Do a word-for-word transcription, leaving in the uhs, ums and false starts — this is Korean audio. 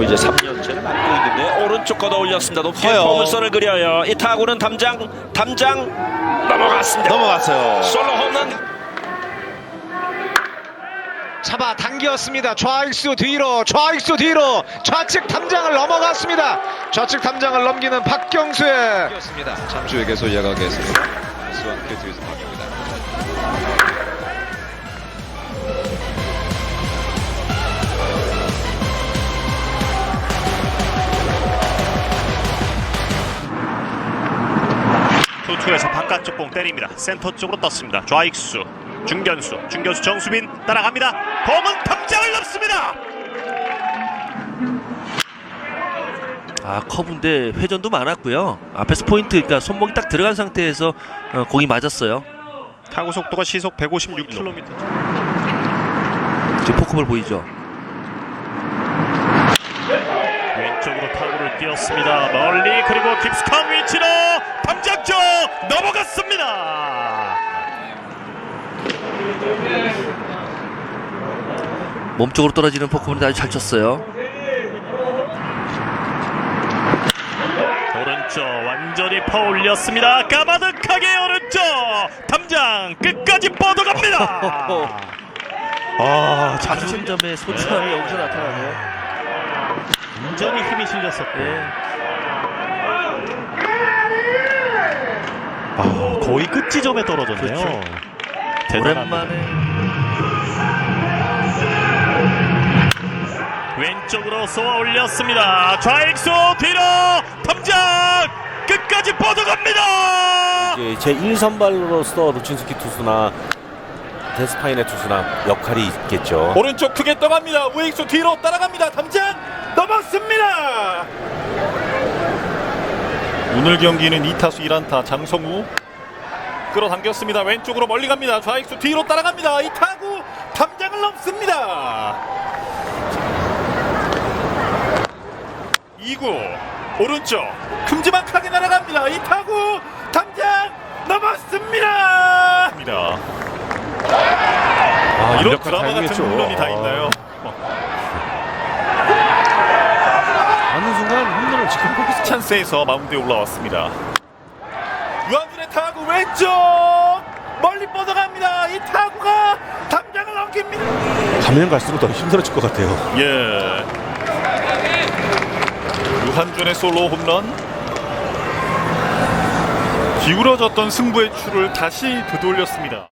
그리고 이제 삼 년째를 맡고 있는데 오른쪽 걷어 올렸습니다. 높게 커요. 포물선을 그려요. 이 타구는 담장 담장 넘어갔습니다. 넘어갔어요. 솔로 홈런. 잡아 당겼습니다. 좌익수 뒤로 좌익수 뒤로 좌측 담장을 넘어갔습니다. 좌측 담장을 넘기는 박경수의 잠수에게서 이어가겠습니다. 수원 캐트에서 바뀝니다. 투투에서 바깥쪽 공 때립니다. 센터 쪽으로 떴습니다. 좌익수 중견수 중견수 정수빈 따라갑니다. 공은 담장을 넘습니다. 아 커브인데 회전도 많았고요. 앞에서 포인트, 그러니까 손목이 딱 들어간 상태에서 어, 공이 맞았어요. 타구 속도가 시속 백오십육 킬로미터. 지금 포크볼 보이죠? 왼쪽으로 타구를 띄웠습니다. 멀리 그리고 깊숙한 위치로 담장 쪽 넘어갔습니다. 몸쪽으로 떨어지는 포크볼이 아주 잘 쳤어요. 오른쪽 완전히 퍼올렸습니다. 까마득하게 오른쪽 담장 끝까지 뻗어갑니다. 아, 자존점의 소중함이 여기서 나타나네요. 완전히 힘이 실렸었고 네. 아, 거의 끝 지점에 떨어졌네요. 그렇죠. 대단합니다. 오랜만에 왼쪽으로 쏘아 올렸습니다. 좌익수 뒤로 담장 끝까지 뻗어갑니다. 이제 제일 선발로서 루친스키 투수나 데스파인의 투수나 역할이 있겠죠. 오른쪽 크게 떠갑니다. 우익수 뒤로 따라갑니다. 담장 넘었습니다. 오늘 경기는 이 타수 일 안타 장성우 끌어당겼습니다. 왼쪽으로 멀리 갑니다. 좌익수 뒤로 따라갑니다. 이 타구 담장을 넘습니다. 이 구 오른쪽 큼지막하게 날아갑니다. 이 타구 담장 넘었습니다. 아, 이런 드라마 같은 홈런이 다 있나요? 어느 순간 홈런을 지금 보기 찬스에서 마운드에 올라왔습니다. 유한준의 타구 왼쪽 멀리 뻗어갑니다. 이 타구가 담장을 넘깁니다. 가면 갈수록 더 힘들어질 것 같아요. 예. 유한준의 솔로 홈런. 기울어졌던 승부의 추를 다시 되돌렸습니다.